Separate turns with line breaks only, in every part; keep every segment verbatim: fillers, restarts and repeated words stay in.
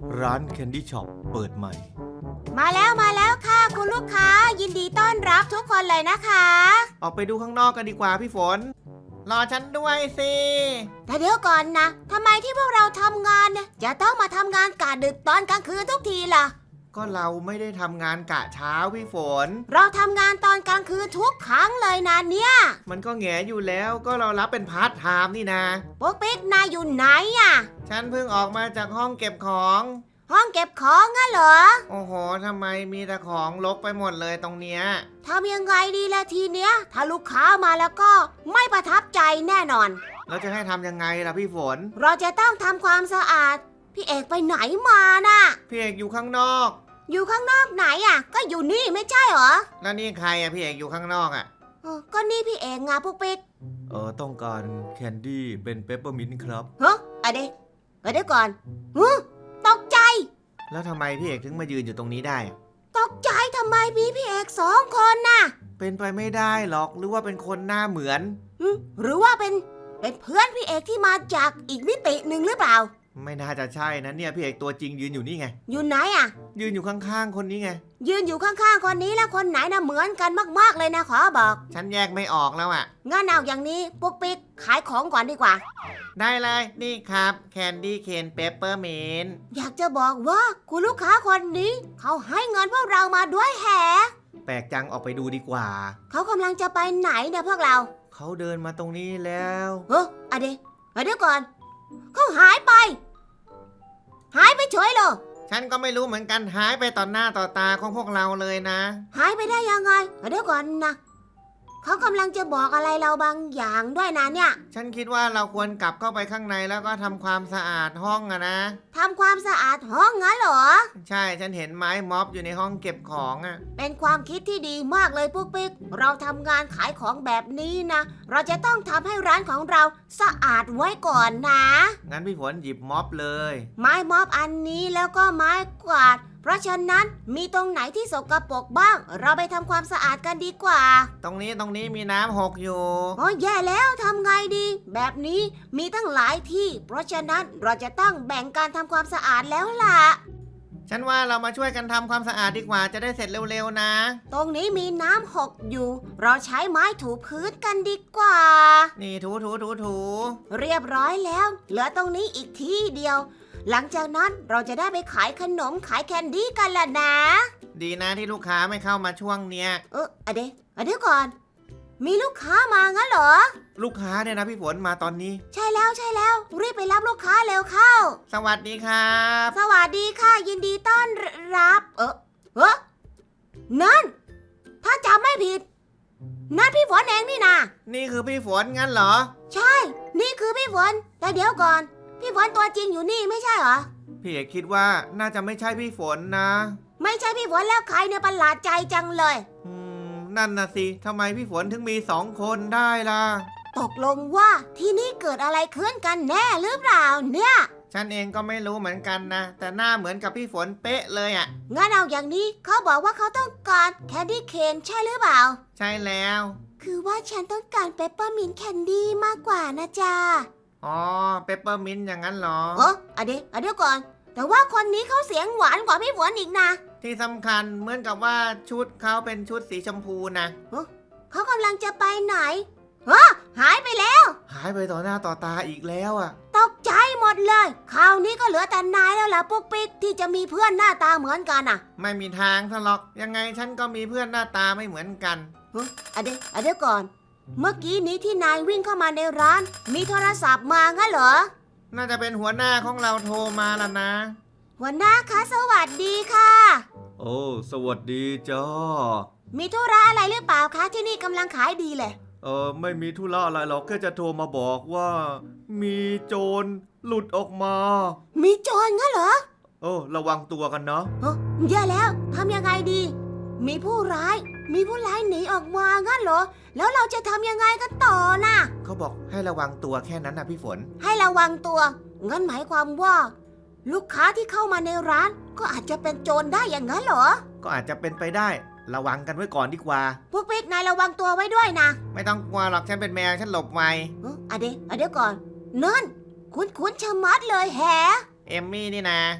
ร้านแคนดี้ช็อปเปิดใหม่
มาแล้วมาแล้วค่ะคุณลูกค้ายินดีต้อนรับทุกคนเลยนะคะ
ออกไปดูข้างนอกกันดีกว่าพี่ฝนรอฉันด้วยสิ
แต่เดี๋ยวก่อนนะทำไมที่พวกเราทำงานเนี่ยจะต้องมาทำงานกะดึกตอนกลางคืนทุกทีล่ะ
ก็เราไม่ได้ทำงานกะเช้าพี่ฝน
เราทำงานตอนกลางคืนทุกครั้งเลยนะเนี่ย
มันก็แง่อยู่แล้วก็เรารับเป็นพาร์ทไทม์นี่นะ
ปุ๊กปิ๊กนายอยู่ไหนอ่ะ
ฉันเพิ่งออกมาจากห้องเก็บของ
ห้องเก็บของงั้นเหรอ
โอ้โหทำไมมีแต่ของรกไปหมดเลยตรงเนี้ย
ทำยังไงดีล่ะทีเนี้ยถ้าลูกค้ามาแล้วก็ไม่ประทับใจแน่นอน
แล้วจะให้ทำยังไงล่ะพี่ฝน
เราจะต้องทำความสะอาดพี่เอกไปไหนมาน่ะ
พี่เอกอยู่ข้างนอก
อยู่ข้างนอกไหนอ่ะก็อยู่นี่ไม่ใช่เหรอ
แล้วนี่ใครอ่ะพี่เอกอยู่ข้างนอกอ่ะ
ก็นี่พี่เอกไงปุ๊กปิ๊ก
เออต้องการแคนดี้เป็นเปปเปอร์มินต์ครับ
ฮะอะเดี๋ยวเดี๋ยวก่อนฮะตกใจ
แล้วทำไมพี่เอกถึงมายืนอยู่ตรงนี้ได้
ตกใจทำไมมีพี่เอกสองคนน่ะ
เป็นไปไม่ได้หรอกหรือว่าเป็นคนหน้าเหมือน
หรือว่าเป็นเป็นเพื่อนพี่เอกที่มาจากอีกมิติหนึ่งหรือเปล่า
ไม่น่าจะใช่นะเนี่ยพี่เอกตัวจริงยืนอยู่นี่ไง
อยู่ไหนอ่ะ
ยืนอยู่ข้างๆคนนี้ไง
ยืนอยู่ข้างๆคนนี้แล้วคนไหนนะเหมือนกันมากๆเลยนะขอบอก
ฉันแยกไม่ออกแล้วอ่ะ
งั้นเอาอย่างนี้ปุ๊กปิ๊กขายของก่อนดีกว่า
ได้เลยนี่ครับแคนดี้เคนเปปเปอร์มินต์
อยากจะบอกว่าคุณลูกค้าคนนี้เขาให้เงินพวกเรามาด้วยแฮะ
แปลกจังออกไปดูดีกว่า
เขากำลังจะไปไหนเนี่ยพวกเรา
เขาเดินมาตรงนี้แล้ว
เฮ้ออะเดี๋ยวเดี๋ยวก่อนเขาหายไปหายไปเฉยเลย
ฉันก็ไม่รู้เหมือนกันหายไปต่อหน้าต่อตาของพวกเราเลยนะ
หายไปได้ยังไงเดี๋ยวก่อนนะเขากำลังจะบอกอะไรเราบางอย่างด้วยนะเนี่ย
ฉันคิดว่าเราควรกลับเข้าไปข้างในแล้วก็ทำความสะอาดห้องอะนะ
ทำความสะอาดห้องงั้นเหรอ
ใช่ฉันเห็นไม้ม็อบอยู่ในห้องเก็บของอะ
เป็นความคิดที่ดีมากเลยปุ๊กปิ๊กเราทำงานขายของแบบนี้นะเราจะต้องทำให้ร้านของเราสะอาดไว้ก่อนนะ
งั้นพี่ฝนหยิบม็อบเลย
ไม้ม็อบอันนี้แล้วก็ไม้กวาดเพราะฉะนั้นมีตรงไหนที่สกปรกบ้างเราไปทำความสะอาดกันดีกว่า
ตรงนี้ตรงนี้มีน้ำหกอยู่
โอ้ยแย่แล้วทำไงดีแบบนี้มีตั้งหลายที่เพราะฉะนั้นเราจะต้องแบ่งการทำความสะอาดแล้วล่ะ
ฉันว่าเรามาช่วยกันทำความสะอาดดีกว่าจะได้เสร็จเร็วๆนะ
ตรงนี้มีน้ำหกอยู่เราใช้ไม้ถูพื้นกันดีกว่า
นี่ถูถูถูถู
เรียบร้อยแล้วเหลือตรงนี้อีกที่เดียวหลังจากนั้นเราจะได้ไปขายขนมขายแคนดี้กันล่ะนะ
ดีนะที่ลูกค้าไม่เข้ามาช่วงเนี้ย
เอออะเดี๋ยวอะเดี๋ยวก่อนมีลูกค้ามางั้นเหรอ
ลูกค้าเนี่ยนะพี่ฝนมาตอนนี้
ใช่แล้วใช่แล้วรีบไปรับลูกค้าเร็วเข้า
สวัสดีครับ
สวัสดีค่ะยินดีต้อนรับเออเออนั่นถ้าจำไม่ผิดนั่นพี่ฝนเองนี่นะ
นี่คือพี่ฝนงั้นเหรอ
ใช่นี่คือพี่ฝนแต่เดี๋ยวก่อนพี่ฝนตัวจริงอยู่นี่ไม่ใช่เหรอ
พี่เอกคิดว่าน่าจะไม่ใช่พี่ฝนนะ
ไม่ใช่พี่ฝนแล้วใครเนี่ยประหลาดใจจังเลย
อืมนั่นนะสิทำไมพี่ฝนถึงมีสองคนได้ล่ะ
ตกลงว่าที่นี่เกิดอะไรขึ้นกันแน่หรือเปล่าเนี่ย
ฉันเองก็ไม่รู้เหมือนกันนะแต่หน้าเหมือนกับพี่ฝนเป๊ะเลยอ่ะ
งั้นเอาอย่างนี้เขาบอกว่าเขาต้องการแคนดี้เคนใช่หรือเปล่า
ใช่แล้ว
คือว่าฉันต้องการเปปเปอร์มินต์แคนดี้มากกว่านะจ๊ะ
อ๋อเปปเปอร์มินต์อย่างนั้นเหรอ
เอออะเดี๋ยวอะเดี๋ยวก่อนแต่ว่าคนนี้เขาเสียงหวานกว่าพี่ฝนอีกนะ
ที่สำคัญเหมือนกับว่าชุดเขาเป็นชุดสีชมพูนะ
เขากำลังจะไปไหนฮะหายไปแล้ว
หายไปต่อหน้าต่อตาอีกแล้วอ่ะ
ตกใจหมดเลยคราวนี้ก็เหลือแต่นายแล้วล่ะปุ๊กปิ๊กที่จะมีเพื่อนหน้าตาเหมือนกันอ่ะ
ไม่มีทางทะเลาะยังไงฉันก็มีเพื่อนหน้าตาไม่เหมือนกัน
ฮะอะเดี๋ยวอะเดี๋ยวก่อนเมื่อกี้นี้ที่นายวิ่งเข้ามาในร้านมีโทรศัพท์มางั้นเหรอ
น่าจะเป็นหัวหน้าของเราโทรมาแล้วนะ
หัวหน้าคะสวัสดีค่ะ
โอ้สวัสดีจ้า
มีธุระอะไรหรือเปล่าคะที่นี่กำลังขายดีเลย
เออไม่มีธุระอะไรหรอกแค่จะโทรมาบอกว่ามีโจรหลุดออกมา
มีโจรงั้นเหรอ
เออระวังตัวกันเนาะ
เฮ้ยแย่แล้วทำยังไงดีมีผู้ร้ายมีผู้ร้ายหนีออกมางั้นเหรอแล้วเราจะทำยังไงกันต่อน่ะ
เขาบอกให้ระวังตัวแค่นั้นนะพี่ฝน
ให้ระวังตัวงั้นหมายความว่าลูกค้าที่เข้ามาในร้านก็อาจจะเป็นโจรได้อย่างนั้นเหรอ
ก็อาจจะเป็นไปได้ระวังกันไว้ก่อนดีกว่า
พวกปิ๊กนายระวังตัวไว้ด้วยนะ
ไม่ต้องกลัวหรอกฉันเป็นแมวฉันหลบไว
เอออะเดี๋ยวอะเดี๋ยวก่อนนั่นคุ้นคุ้นชะมัดเลยแฮะ
เอมมี่นี่นะ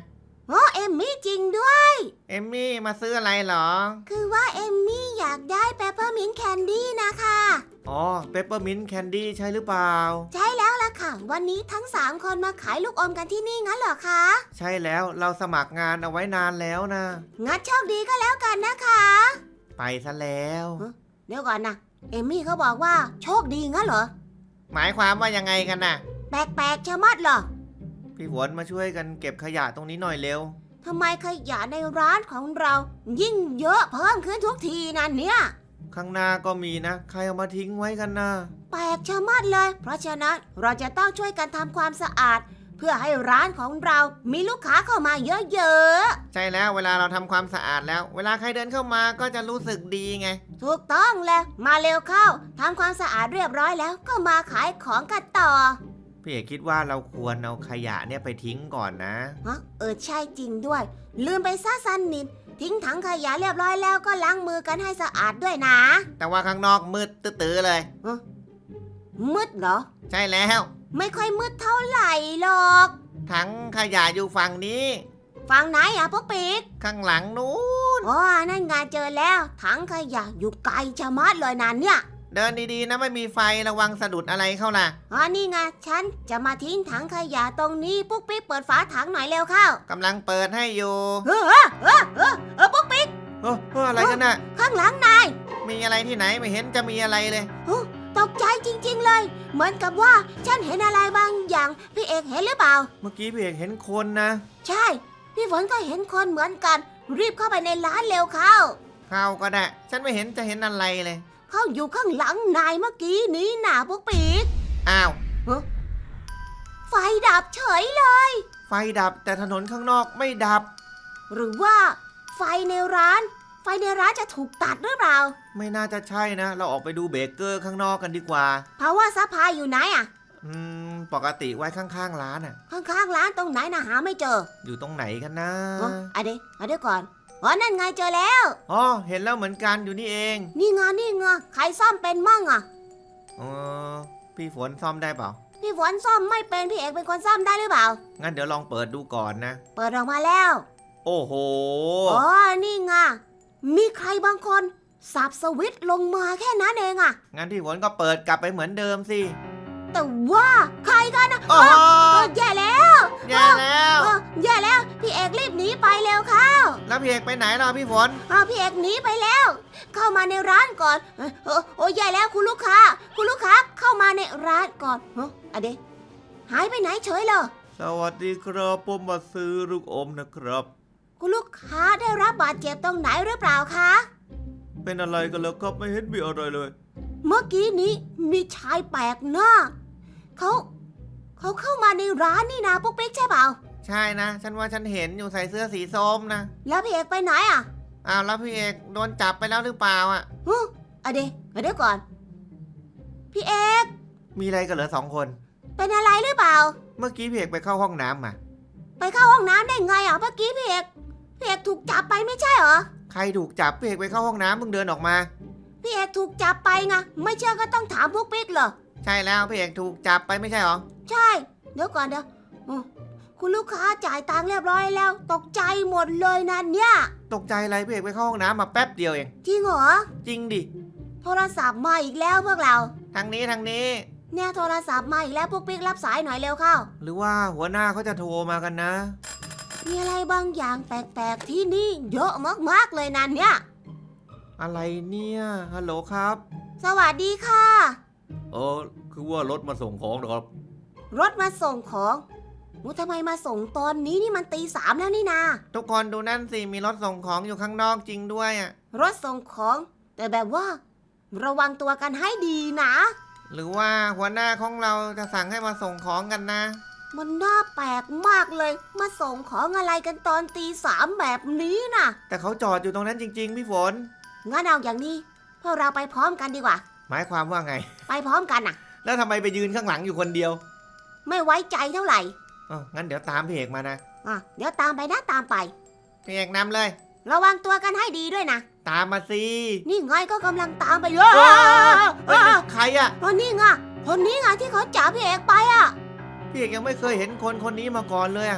โอ้เอมมี่จริงด้วย
เอมมี่มาซื้ออะไรเหรอ
คือว่าเอมมี่อยากได้เปปเปอร์มินต์แคนดี้นะคะ
อ๋อเปปเปอร์มินต์แคนดี้ใช่หรือเปล่า
ใช่แล้วล่ะค่ะ วันนี้ทั้งสามคนมาขายลูกอมกันที่นี่งั้นเหรอคะ
ใช่แล้วเราสมัครงานเอาไว้นานแล้วนะ
งั้นโชคดีก็แล้วกันนะคะ
ไปซะแล้ว
เดี๋ยวก่อนนะเอมมี่เขาบอกว่าโชคดีงั้นเหรอ
หมายความว่ายังไงกันน่ะ
แปลกๆชะมัดเหรอ
พี่ฝนมาช่วยกันเก็บขยะตรงนี้หน่อยเร็ว
ทำไมขยะในร้านของเรา ยิ่งเยอะเพิ่มขึ้นทุกทีนั่นเนี่ย
ข้างหน้าก็มีนะ ใครเอามาทิ้งไว้กันนะ
แปลกชะมัดเลย เพราะฉะนั้นเราจะต้องช่วยกันทำความสะอาด เพื่อให้ร้านของเรามีลูกค้าเข้ามาเยอะ
ใช่แล้วเวลาเราทำความสะอาดแล้ว เวลาใครเดินเข้ามาก็จะรู้สึกดีไง
ๆถูกต้องเลยมาเร็วเข้าทำความสะอาดเรียบร้อยแล้วก็มาขายของกันต่อ
พี่เอกคิดว่าเราควรเอาขยะเนี่ยไปทิ้งก่อนนะ
ฮะเออใช่จริงด้วย ลืมไปซะสันนิดทิ้งถังขยะเรียบร้อยแล้วก็ล้างมือกันให้สะอาดด้วยนะ
แต่ว่าข้างนอกมืดตื้อๆเลย
มืดเหรอ
ใช่แล้ว
ไม่ค่อยมืดเท่าไหร่หรอก
ถังขยะอยู่ฝั่งนี้
ฝั่งไหนอ่ะพวกปีก
ข้างหลังนู้น
อ๋อนั่นไงเจอแล้วถังขยะอยู่ไกลชะมัดเลยนั่นเนี่ย
เดินดีๆนะไม่มีไฟระวังสะดุดอะไรเข้าล่ะ
อ๋อนี่ไงฉันจะมาทิ้งถังขยะตรงนี้ปุ๊กปิ๊กเปิดฝาถังหน่อยเร็วเข้าก
ำลังเปิดให้อยู่
เออเออเออเออปุ๊กปิ๊ก
เฮ้ยเฮ้ยอะไรกันน่ะ
ข้างหลังนาย
มีอะไรที่ไหนไม่เห็นจะมีอะไรเลย
ตกใจจริงๆเลย เหมือนกับว่าฉันเห็นอะไรบางอย่างพี่เอกเห็นหรือเปล่า
เมื่อกี้พี่เอกเห็นคนนะ
ใช่ พี่ฝนก็เห็นคนเหมือนกัน รีบเข้าไปในร้านเร็วเข้า
เข้าก็ได้ ฉันไม่เห็นจะเห็นอะไรเลย
เขาอยู่ข้างหลังนายเมื่อกี้นี้น่ะพวกปีก
อ้าว
ไฟดับเฉยเลย
ไฟดับแต่ถนนข้างนอกไม่ดับ
หรือว่าไฟในร้าน ไฟในร้านจะถูกตัดหรือเปล่า
ไม่น่าจะใช่นะ เราออกไปดูเบเกอร์ข้างนอกกันดีกว่า
เพราะว่าซัพพลายอยู่ไหนอะ
อืม ปกติไว้ข้างๆร้านอ่ะ
ข้างๆร้านตรงไหนนะหาไม่เจอ
อยู่ตรงไหนกันนะ
อ๋ออะเดี๋ยวอะเดี๋ยวก่อนอ๋อนั่นไงเจอแล้ว
อ๋อ เห็นแล้วเหมือนกันอยู่นี่เอง
นี่ไงนี่ไงใครซ่อมเป็นมั่งอะ
เออพี่ฝนซ่อมได้เปล่า
พี่ฝนซ่อมไม่เป็นพี่เอกเป็นคนซ่อมได้หรือเปล่า
งั้นเดี๋ยวลองเปิดดูก่อนนะ
เปิดออกมาแล้ว
โอ้โห
อ๋อ นี่ไง มีใครบางคนสับสวิตช์ลงมาแค่นั้นเองอะ
งั้นพี่ฝนก็เปิดกลับไปเหมือนเดิมสิ
แต่ว่าใครกันนะ
โอ้
เอ
โห
อเออแย่แล้ว
แย่แล้ว
เออแย่แล้ว พี่เอกรีบหนีไปเร็วเข้า
แล้วพี่เอกไปไหนล่ะพี่ฝน
เออพี่เอกหนีไปแล้ว เข้ามาในร้านก่อนเออเออโอ้ยแย่แล้วคุณลูกค้า คุณลูกค้าเข้ามาในร้านก่อนเฮ้อะเดะหายไปไหนเฉยเลย
สวัสดีครับผมมาซื้อลูกอมนะครับ
คุณลูกค้าได้รับบาดเจ็บตรงไหนหรือเปล่าคะ
เป็นอะไรกันแล้วครับไม่เห็นมีอะไรเลย
เมื่อกี้นี้มีชายแปลกหน้าเขาเขาเข้ามาในร้านนี่นะปุ๊กปิ๊กใช่เปล่า
ใช่นะ ฉันว่าฉันเห็นอยู่ใส่เสื้อสีส้มนะ
แล้วพี่เอกไปไหนอ่ะ
อ้าวแล้วพี่เอกโดนจับไปแล้วหรือเปล่าอ่ะ
ฮึอะเดะอะเดี๋ยวก่อน พี่เอก
มีอะไรกันเหรอสองคน
เป็นอะไรหรือเปล่า
เมื่อกี้พี่เอกไปเข้าห้องน้ำมา
ไปเข้าห้องน้ำได้ไงอ่ะเมื่อกี้พี่เอกพี่เอกถูกจับไปไม่ใช่เหรอ
ใครถูกจับพี่เอกไปเข้าห้องน้ำเพิ่งเดินออกมา
พี่เอกถูกจับไปไงไม่เชื่อก็ต้องถามพวกปิ๊กเหรอ
ใช่แล้วพี่เอกถูกจับไปไม่ใช่หรอ
ใช่ เดี๋ยวก่อนเดี๋ยวอืมคุณลูกค้าจ่ายตังค์เรียบร้อยแล้ว ตกใจหมดเลยนั่นเนี่ย
ตกใจอะไรพี่เอกไปเข้าห้องน้ำมาแป๊บเดียวเอง
จริงเหรอ
จริงดิ
โทรศัพท์มาอีกแล้วพวกเรา
ทางนี้ทางนี้
เนี่ยโทรศัพท์มาอีกแล้วพวกปิ๊กรับสายหน่อยเร็วเข้า
หรือว่าหัวหน้าเขาจะโทรมากันนะ
มีอะไรบางอย่างแปลกๆที่นี่เยอะมากๆเลยนั่นเนี่ย
อะไรเนี่ยฮัลโหลครับ
สวัสดีค่ะ
เออคือว่ารถมาส่งของนะครับ
รถมาส่งของมูทำไมมาส่งตอนนี้นี่มันตีสามแล้วนี่นา
ทุกคนดูนั่นสิมีรถส่งของอยู่ข้างนอกจริงด้วยอ่ะ
รถส่งของ แต่แบบว่า ระวังตัวกันให้ดีนะ
หรือว่าหัวหน้าของเราจะสั่งให้มาส่งของกันนะ
มันน่าแปลกมากเลย มาส่งของอะไรกันตอนตีสามแบบนี้น่ะ
แต่เขาจอดอยู่ตรงนั้นจริง ๆ พี่ฝน
งั้นเอาอย่างนี้พวกเราไปพร้อมกันดีกว่า
หมายความว่าไง
ไปพร้อมกันน่ะ
แล้วทำไมไปยืนข้างหลังอยู่คนเดียว
ไม่ไว้ใจเท่าไหร่
อ๋องั้นเดี๋ยวตามพี่เอกมานะ
อ่ะเดี๋ยวตามไปนะตามไป
พี่เอกนำเลย
ระวังตัวกันให้ดีด้วยนะ
ตามมาสิ
นี่ไงก็กำลังตามไปเย
เฮ้
อะ
ยเฮ้ยใครอ่ะ
คนนี้ไงคนนี้ไงที่เขาจับพี่เอกไปอ่ะ
พี่เอกยังไม่เคยเห็นคนคนนี้มาก่อนเลยอ่ะ
ต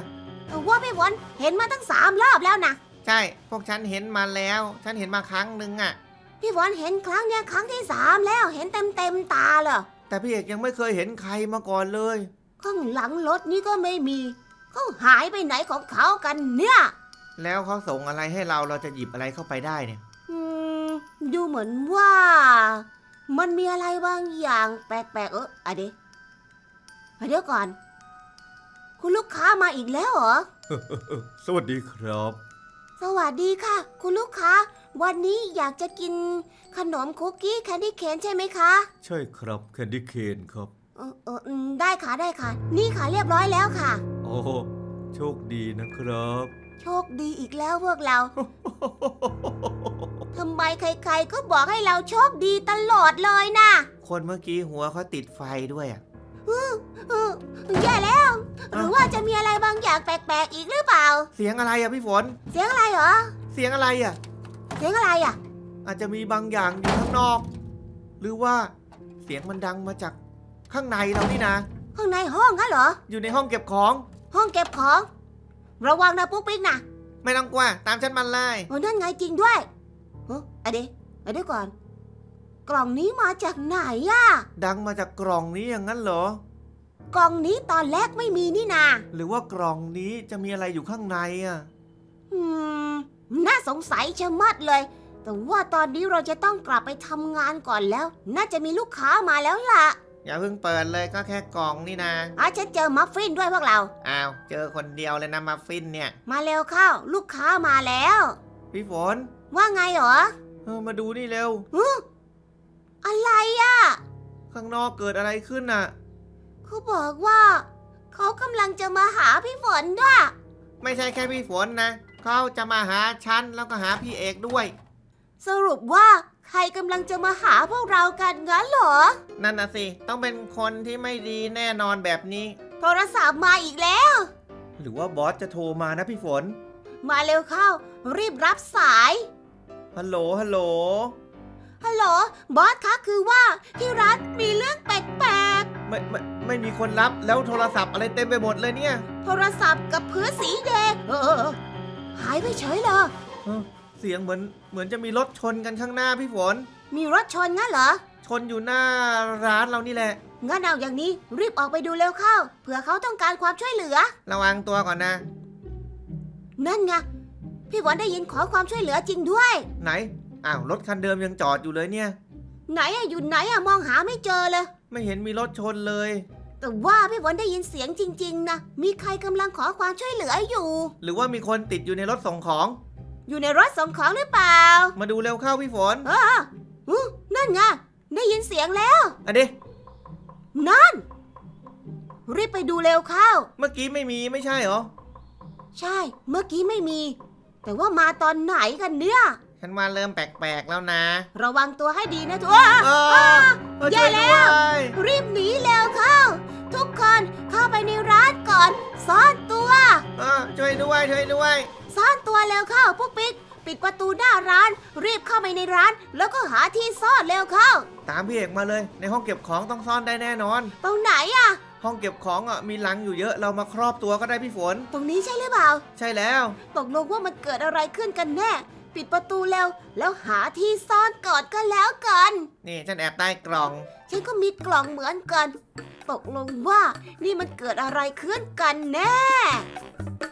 ว่าพี่ฝนเห็นมาตั้งสามรอบแล้วนะ
ใช่ พวกฉันเห็นมาแล้ว ฉันเห็นมาครั้งหนึ่งอะ
พี่ฝนเห็นครั้งเนี้ยครั้งที่สามแล้วเห็นเต็มเต็มๆตาเลย
แต่พี่เอกยังไม่เคยเห็นใครมาก่อนเลย
ข้างหลังรถนี่ก็ไม่มีเขาหายไปไหนของเขากันเนี่ย
แล้วเขาส่งอะไรให้เราเราจะหยิบอะไรเข้าไปได้เนี่ย
อืมดูเหมือนว่า มันมีอะไรบางอย่างแปลกๆเอออะเดี๋ยวเดี๋ยวก่อน คุณลูกค้ามาอีกแล้วเหรอ
สวัสดีครับ
สวัสดีค่ะ คุณลูกค้า วันนี้อยากจะกินขนมคุกกี้แคนดี้เคนใช่ไหมคะ
ใช่ครับแคนดี้เคนครับ
เออเอออืมได้ค่ะได้ค่ะ นี่ค่ะเรียบร้อยแล้วค่ะ
โอ้โชคดีนะครับ
โชคดีอีกแล้วพวกเรา ทำไมใครๆก็บอกให้เราโชคดีตลอดเลยนะ
คนเมื่อกี้หัวเขาติดไฟด้วยอ่ะ
เออแย่แล้ว หรือว่าจะมีอะไรบางอย่างแปลกๆอีกหรือเปล่า
เสียงอะไรอ่ะพี่ฝน
เสียงอะไรเหรอ
เสียงอะไรอ่ะ
เสียงอะไรอ่ะ
อาจจะมีบางอย่างอยู่ข้างนอก หรือว่าเสียงมันดังมาจากข้างในเรานี่นะ
ข้างในห้องงั้นเหรอ
อยู่ในห้องเก็บของ
ห้องเก็บของ ระวังนะปุ๊กปิ๊กนะ
ไม่ต้องกลัวตามฉันมาเลย
โอ้นั่นไงจริงด้วยเฮ้ยอะเดี๋ยวอะเดี๋ยวก่อน กล่องนี้มาจากไหนอะ
ดังมาจากกล่องนี้อย่างนั้นเหรอ
กล่องนี้ตอนแรกไม่มีนี่นา
หรือว่ากล่องนี้จะมีอะไรอยู่ข้างในอ่ะ
อืม น่าสงสัยชะมัดเลย แต่ว่าตอนนี้เราจะต้องกลับไปทำงานก่อนแล้ว น่าจะมีลูกค้ามาแล้วล่ะ
อย่าเพิ่งเปิดเลยก็แค่กล่องนี่นะ
อ่ะฉันเจอมัฟฟินด้วยพวกเรา
อ้าว เจอคนเดียวเลยนะมาฟินเนี่ย
มาเร็วเข้า ลูกค้ามาแล้ว
พี่ฝน
ว่าไงเหรอ
เออมาดูนี่เร็ว
ฮึอะไรอะ
ข้างนอกเกิดอะไรขึ้นน่ะ
เขาบอกว่า เขากำลังจะมาหาพี่ฝนด้วย
ไม่ใช่แค่พี่ฝนนะ เขาจะมาหาฉันแล้วก็หาพี่เอกด้วย
สรุปว่าใครกำลังจะมาหาพวกเรากันงั้นเหรอ
นั่นน่ะสิ ต้องเป็นคนที่ไม่ดีแน่นอนแบบนี้
โทรศัพท์มาอีกแล้ว
หรือว่าบอสจะโทรมานะพี่ฝน
มาเร็วเข้า รีบรับสาย
ฮัลโหล ฮัลโหล
ฮัลโหล บอสคะคือว่าที่ร้านมีเรื่องแปลก
ไม่ไม่ไม่มีคนรับแล้วโทรศัพท์อะไรเต็มไปหมดเลยเนี่ย
ๆ โทรศัพท์กับพื้นสีแดงเออเออเออหายไปเฉยเลย
เอ้อเสียงเหมือนเหมือนจะมีรถชนกันข้างหน้าพี่ฝน
มีรถชนงั้นเหรอ
ชนอยู่หน้าร้านเรานี่แหละ
งั้นเอาอย่างนี้รีบออกไปดูเร็วเข้า เผื่อเขาต้องการความช่วยเหลือ
ระวังตัวก่อนนะ
นั่นไง พี่ฝนได้ยินขอความช่วยเหลือจริงด้วย
ไหน อ้าว รถคันเดิมยังจอดอยู่เลยเนี่ย
ไหนอะอยู่ไหนอะมองหาไม่เจอเลย
ไม่เห็นมีรถชนเลย
แต่ว่าพี่ฝนได้ยินเสียงจริงๆนะ มีใครกำลังขอความช่วยเหลืออยู่
หรือว่ามีคนติดอยู่ในรถส่งของ
อยู่ในรถส่งของหรือเปล่า
มาดูเร็วเข้าพี่ฝน
เอออู้นั่นไง ได้ยินเสียงแล้ว
อันนี้
นั่น รีบไปดูเร็วเข้า
เมื่อกี้ไม่มีไม่ใช่เหรอ
ใช่ เมื่อกี้ไม่มี แต่ว่ามาตอนไหนกันเนี่ย
ฉันว่าเริ่มแปลกๆแล้วนะ
ระวังตัวให้ดีนะทุกคน
เออเออ
แย่
ช่วย
แล้
ด้
ว
วย
รีบหนีเร็วเข้า ทุกคนเข้าไปในร้านก่อน ซ่อนตัว
เออช่วยด้วย ช่วยด้วย
ซ่อนตัวเร็วเข้าพวกปิ๊ก ปิดประตูหน้าร้าน รีบเข้าไปในร้าน แล้วก็หาที่ซ่อนเร็วเข้า
ตามพี่เอกมาเลย ในห้องเก็บของต้องซ่อนได้แน่นอน
ตรงไหนอะ
ห้องเก็บของอ่ะมีหลังอยู่เยอะเรามาครอบตัวก็ได้พี่ฝน
ตรงนี้ใช่หรือเปล่า
ใช่แล้ว
ตกลงว่ามันเกิดอะไรขึ้นกันแน่ ปิดประตูเร็ว แล้วหาที่ซ่อนก่อนก็แล้วกัน
นี่ฉันแอบใต้กล่อง
ฉันก็มีกล่องเหมือนกัน ตกลงว่านี่มันเกิดอะไรขึ้นกันแน่